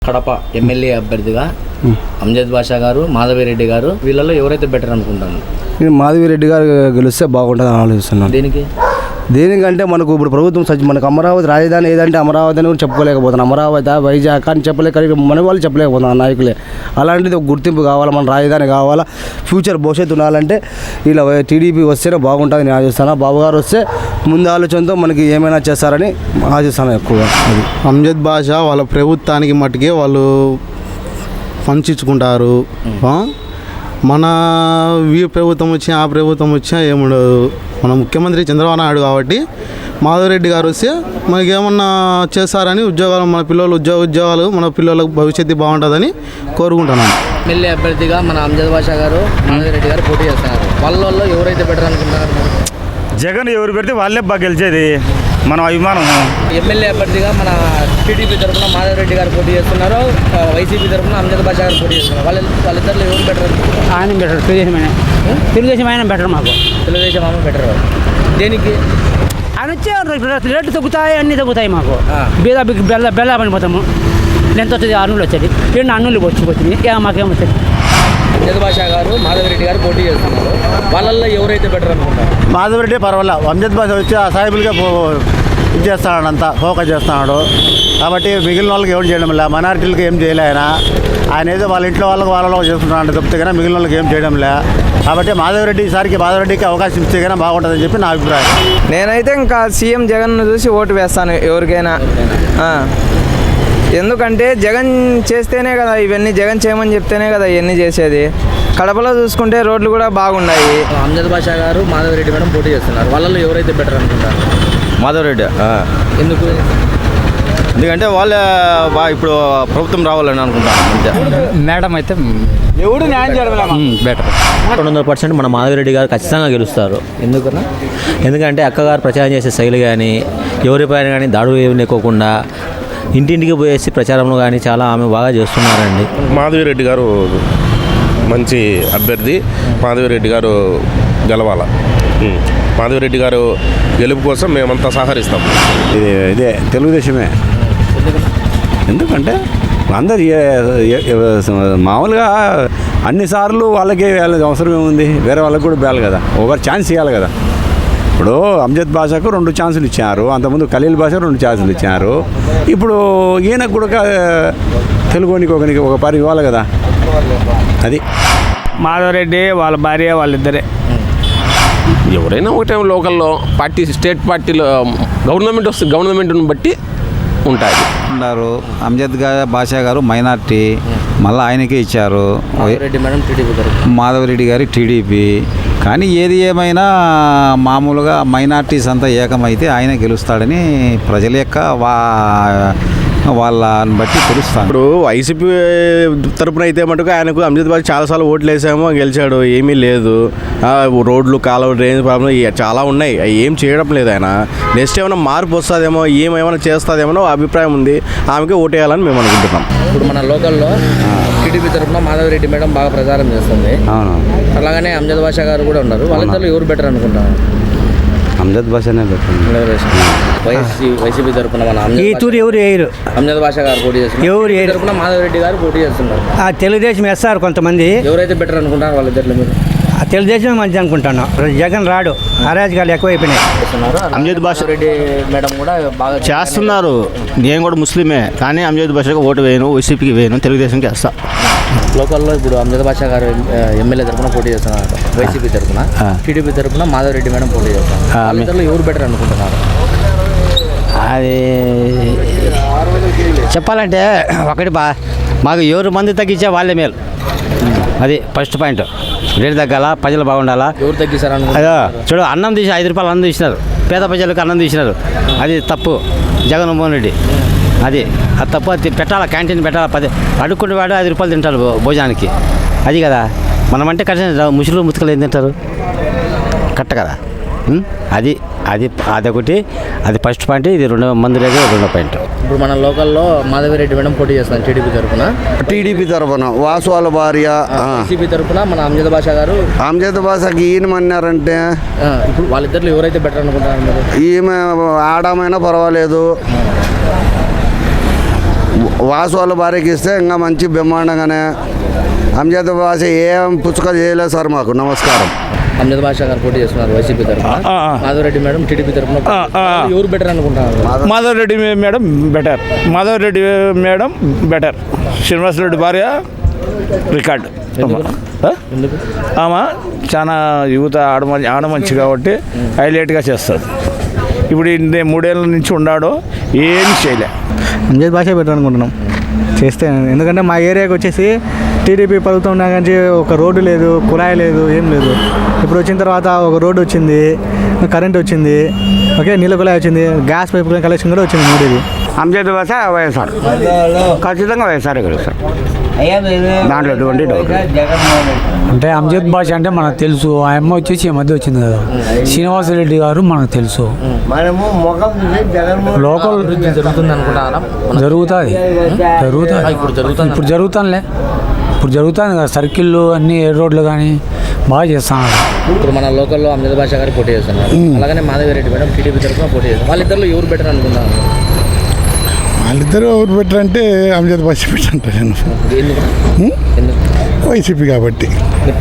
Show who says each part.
Speaker 1: Kadapa MLA అభ్యర్థిగా అంజద్ బాషా గారు, మాధవిరెడ్డి గారు, వీళ్ళలో ఎవరైతే బెటర్ అనుకుంటాను?
Speaker 2: నేను మాధవిరెడ్డి గారు గెలిస్తే బాగుంటుందని ఆలోచిస్తున్నాను. దేనికంటే మనకు ఇప్పుడు ప్రభుత్వం మనకు అమరావతి రాజధాని ఏదంటే అమరావతి అని కూడా చెప్పుకోలేకపోతున్నాం. అమరావతి, వైజాగ్ అని మన వాళ్ళు చెప్పలేకపోతున్నాం నాయకులే. అలాంటిది ఒక గుర్తింపు కావాలా, మన రాజధాని కావాలా, ఫ్యూచర్ భవిష్యత్తు ఉండాలంటే ఇలా టీడీపీ వస్తేనే బాగుంటుంది నేను ఆశిస్తాను. బాబు గారు వస్తే ముందు ఆలోచనతో మనకి ఏమైనా చేస్తారని ఆశిస్తాను ఎక్కువగా. అది
Speaker 3: అంజద్ బాషా వాళ్ళ ప్రభుత్వానికి మట్టుకే వాళ్ళు పంచుకుంటారు. మన ప్రభుత్వం వచ్చినా ఆ ప్రభుత్వం వచ్చినా ఏముండదు. మన ముఖ్యమంత్రి చంద్రబాబు నాయుడు కాబట్టి మాధవరెడ్డి గారు వస్తే మనకి ఏమన్నా చేస్తారని ఉద్యోగాలు, మన పిల్లలు ఉద్యోగాలు మన పిల్లలకు భవిష్యత్తు బాగుంటుందని కోరుకుంటున్నాను.
Speaker 1: ఎమ్మెల్యే అభ్యర్థిగా మన అంజద్ బాషా గారు, మాధవిరెడ్డి గారు పోటీ చేస్తున్నారు. వాళ్ళలో ఎవరైతే బెటర్ అనుకుంటున్నారు?
Speaker 4: జగన్ ఎవరు పెడితే వాళ్ళే బాగా గెలిచేది, మనం అభిమానం.
Speaker 1: ఎమ్మెల్యే అభ్యర్థిగా మన టీడీపీ తరఫున మాధవిరెడ్డి గారు పోటీ చేస్తున్నారు, వైసీపీ తరఫున అంజద్ బాషా గారు పోటీ చేస్తున్నారు. వాళ్ళిద్దరిలో ఎవరు బెటర్ అనుకుంటున్నారు?
Speaker 5: ఆయన బెటర్, తెలుగుదేశం ఆయన బెటర్. మాకు
Speaker 1: తెలుగుదేశం ఆమె బెటర్. దేనికి?
Speaker 5: ఆయన వచ్చే రేట్లు తగ్గుతాయి, అన్నీ తగ్గుతాయి. మాకు బెల్ల పడిపోతాము. ఎంత వస్తుంది? అన్నులు వచ్చేది, రెండు అన్నులు వచ్చింది, మాకేమొచ్చింది.
Speaker 1: అంజద్ బాషా గారు, మాధవిరెడ్డి గారు పోటీ చేస్తున్నారు. వాళ్ళల్లో ఎవరైతే బెటర్ అనుకుంటారు?
Speaker 2: మాధవరెడ్డి పర్వాలా. అంజద్ బాషా వచ్చి ఆ సాయిబుల్గా ఇది చేస్తున్నాడు, అంతా ఫోకస్ చేస్తున్నాడు. కాబట్టి మిగిలిన వాళ్ళకి ఏం చేయడం లే, మైనారిటీలకు ఏం చేయలే ఆయన ఏదో వాళ్ళ ఇంట్లో వాళ్ళలో చేస్తున్నాడు తప్పితే కానీ మిగిలిన వాళ్ళకి ఏం చేయడం లే. కాబట్టి మాధవరెడ్డికి అవకాశం ఇస్తే కానీ బాగుంటుందని చెప్పి నా అభిప్రాయం.
Speaker 6: నేనైతే ఇంకా సీఎం జగన్ను చూసి ఓటు వేస్తాను ఎవరికైనా. ఎందుకంటే జగన్ చేస్తేనే కదా ఇవన్నీ, జగన్ చేయమని చెప్తేనే కదా ఇవన్నీ చేసేది. కడపలో చూసుకుంటే రోడ్లు కూడా బాగున్నాయి.
Speaker 1: అంజద్ బాషా గారు, మాధవిరెడ్డి మేడం పోటీ చేస్తున్నారు. వాళ్ళలో ఎవరైతే బెటర్ అనుకుంటారు?
Speaker 7: మాధవరెడ్డి. ఎందుకు? ఎందుకంటే వాళ్ళే ఇప్పుడు ప్రభుత్వం రావాలని అనుకుంటాను.
Speaker 5: మేడం అయితే
Speaker 6: ఎవడు న్యాయం చేయడం
Speaker 7: బెటర్. 200% మన మాధవిరెడ్డి గారు ఖచ్చితంగా గెలుస్తారు. ఎందుకంటే అక్కగారు ప్రచారం చేసే శైలి కానీ, ఎవరిపైన కానీ దాడులు ఏమి ఎక్కువకుండా ఇంటింటికి పోయేసి ప్రచారంలో కానీ చాలా ఆమె బాగా చేస్తున్నారండి.
Speaker 8: మాధవిరెడ్డి గారు మంచి అభ్యర్థి. మాధవిరెడ్డి గారు గెలవాల. మాధవిరెడ్డి గారు గెలుపు కోసం మేమంతా సహకరిస్తాం.
Speaker 2: ఇదే తెలుగుదేశమే. ఎందుకంటే అందరు మామూలుగా అన్నిసార్లు వాళ్ళకి వేయాలి అవసరం ఏముంది, వేరే వాళ్ళకి కూడా వేయాలి కదా, ఒకరు ఛాన్స్ ఇవ్వాలి కదా. ఇప్పుడు అంజద్ బాషాకు 2 ఛాన్సులు ఇచ్చారు, అంతకుముందు ఖలీల్ బాషా 2 ఛాన్సులు ఇచ్చారు. ఇప్పుడు ఈయనకు కూడా తెలుగునికి ఒక పరి ఇవ్వాలి కదా. అది
Speaker 5: మాధవరెడ్డి వాళ్ళ భార్య వాళ్ళిద్దరే.
Speaker 9: ఎవరైనా ఒకటే లోకల్లో పార్టీ, స్టేట్ పార్టీలో గవర్నమెంట్ వస్తే గవర్నమెంట్ని బట్టి ఉంటాయి.
Speaker 10: ఉన్నారు అంజద్ బాషా గారు మైనార్టీ, మళ్ళీ ఆయనకే ఇచ్చారు. మాధవరెడ్డి గారి టీడీపీ. కానీ ఏది ఏమైనా మామూలుగా మైనార్టీస్ అంతా ఏకమైతే ఆయన గెలుస్తాడని ప్రజల యొక్క వాళ్ళని బట్టి తెలుస్తాను.
Speaker 8: ఇప్పుడు వైసీపీ తరపున అయితే మటుకు ఆయనకు అంజద్ బాషా చాలాసార్లు ఓట్లు వేసామో గెలిచాడు, ఏమీ లేదు. రోడ్లు, కాలువ, డ్రైనేజ్ ప్రాబ్లం చాలా ఉన్నాయి, ఏం చేయడం లేదు ఆయన. నెక్స్ట్ ఏమైనా మార్పు వస్తుందేమో, ఏమైనా చేస్తుందేమో అభిప్రాయం ఉంది. ఆమెకే ఓటు వేయాలని మేము అనుకుంటున్నాం.
Speaker 1: ఇప్పుడు మన లోకల్లో టీడీపీ తరఫున మాధవిరెడ్డి మేడం బాగా ప్రచారం చేస్తుంది. అలాగనే అంజద్ బాషా గారు కూడా ఉన్నారు. వాళ్ళిద్దరిలో ఎవరు బెటర్ అనుకుంటారు?
Speaker 2: అంజద్ బాషానే బెటర్.
Speaker 1: వైసీపీ తరఫున మన అంజద్ బాషా గారు పోటీ చేస్తున్నారు, తరఫున మాధవిరెడ్డి గారు పోటీ చేస్తున్నారు.
Speaker 5: తెలుగుదేశం వేస్తారు కొంతమంది.
Speaker 1: ఎవరైతే బెటర్ అనుకుంటారు వాళ్ళిద్దరిలో మీరు?
Speaker 5: తెలుగుదేశం మంచి అనుకుంటాను. జగన్ రాడు, అరాజకాలు ఎక్కువైపోయినాయి.
Speaker 7: అంజద్ బాషా
Speaker 1: రెడ్డి మేడం కూడా బాగా
Speaker 7: చేస్తున్నారు. నేను కూడా ముస్లిమే, కానీ అంజద్ బాషాకి ఓటు వేయను, వైసీపీకి వేయను, తెలుగుదేశంకి వేస్తా.
Speaker 1: లోకల్లో ఇప్పుడు అంజద్ బాషా గారు ఎమ్మెల్యే తరఫున పోటీ చేస్తున్నారు, వైసీపీ తరఫున. టీడీపీ తరఫున మాధవిరెడ్డి మేడం పోటీ చేస్తున్నారు. వాళ్ళిద్దరిలో ఎవరు బెటర్ అనుకుంటున్నారు?
Speaker 5: అది చెప్పాలంటే ఒకటి మాకు ఎవరు మంది తగ్గించే వాళ్ళే మేలు. అది ఫస్ట్ పాయింట్. రేటు తగ్గాల, ప్రజలు బాగుండాలా.
Speaker 1: ఎవరు తగ్గిస్తారు?
Speaker 5: అదో చూడు, అన్నం తీసి 5 రూపాయలు అన్నం తీసినారు, పేద ప్రజలకు అన్నం తీసినారు. అది తప్పు జగన్మోహన్ రెడ్డి. అది తప్పు. అది పెట్టాలా, క్యాంటీన్ పెట్టాలా. అడుక్కునే వాడు 5 రూపాయలు తింటారు భోజనానికి. అది కదా మనమంటే కరెక్ట్. ముసులు ముతుకలు ఏం తింటారు? కరెక్ట్ కదా. అది అది అదొకటి. అది ఫస్ట్ పాయింట్. ఇది రెండో పాయింట్.
Speaker 1: ఇప్పుడు మన లోకల్లో మాధవిరెడ్డి మేడం పోటీ చేస్తాను టీడీపీ తరఫున
Speaker 2: వాసు వాళ్ళ భార్య.
Speaker 1: వైసీపీ తరఫున మన అంజద్ బాషా గారు.
Speaker 2: అంజద్ బాషాకి ఈయనమన్నారంటే
Speaker 1: ఇప్పుడు వాళ్ళిద్దరిలో ఎవరైతే బెటర్ అనుకుంటారు?
Speaker 2: ఈమె ఆడమైనా పర్వాలేదు, వాసు వాళ్ళ భార్యకి ఇస్తే ఇంకా మంచి బ్రహ్మాండంగానే అంజద్ భాష ఏం పుచ్చుక చేయలేదు సార్ మాకు. నమస్కారం.
Speaker 1: అమ్జద్ బాషా గారు పోటీ చేస్తున్నారు వైసీపీ తరఫున, మాధవరెడ్డి మేడం టీడీపీ తరఫున. ఎవరు బెటర్ అనుకుంటున్నారు?
Speaker 4: Madhavareddy madam better. Madhavareddy madam better. Srinivasareddy భార్య రికార్డ్.
Speaker 1: ఎందుకు?
Speaker 4: ఆమె చాలా యువత ఆడమంచి కాబట్టి హైలైట్గా చేస్తుంది. ఇప్పుడు 3 ఏళ్ళ నుంచి ఉన్నాడు, ఏం చేయలే.
Speaker 6: అంజద్ భాష బెటర్ అనుకుంటున్నాం చేస్తే. ఎందుకంటే మా ఏరియాకి వచ్చేసి టీడీపీ ప్రభుత్వం ఉన్నా కానీ ఒక రోడ్డు లేదు, కుళాయి లేదు, ఏం లేదు. ఇప్పుడు వచ్చిన తర్వాత ఒక రోడ్డు వచ్చింది, కరెంట్ వచ్చింది, ఓకే, నీళ్ళ కుళాయి వచ్చింది, గ్యాస్ పైప్ కలెక్షన్ కూడా వచ్చింది. 3
Speaker 2: అంజద్ భాష వైఎస్ఆర్, ఖచ్చితంగా వైఎస్ఆర్ గెలుస్తారు, దాంట్లో ఎటువంటి డౌట్.
Speaker 6: అంటే అంజద్ భాష అంటే మనకు తెలుసు. ఆ అమ్మ వచ్చేసి ఈ మధ్య వచ్చింది కదా, శ్రీనివాసరెడ్డి గారు మనకు తెలుసు. లోకల్
Speaker 1: జరుగుతుంది అనుకుంటారా?
Speaker 6: జరుగుతుంది. ఇప్పుడు జరుగుతానులే. ఇప్పుడు జరుగుతుంది కదా, సర్కిళ్ళు అన్ని రోడ్లు కానీ బాగా చేస్తున్నారు.
Speaker 1: ఇప్పుడు మన లోకల్లో అమ్జద్ బాషా గారు పోటీ చేస్తున్నారు, అలాగనే మాధవరెడ్డి మేడం టీడీపీ తరఫున పోటీ చేస్తారు. వాళ్ళిద్దరిలో ఎవరు బెటర్ అనుకుంటున్నారు?
Speaker 11: వాళ్ళిద్దరు ఎవరు బెటర్ అంటే అంజద్ భాష బెటర్ అంటారు.
Speaker 1: ఎందుకు?
Speaker 11: వైసీపీ కాబట్టి.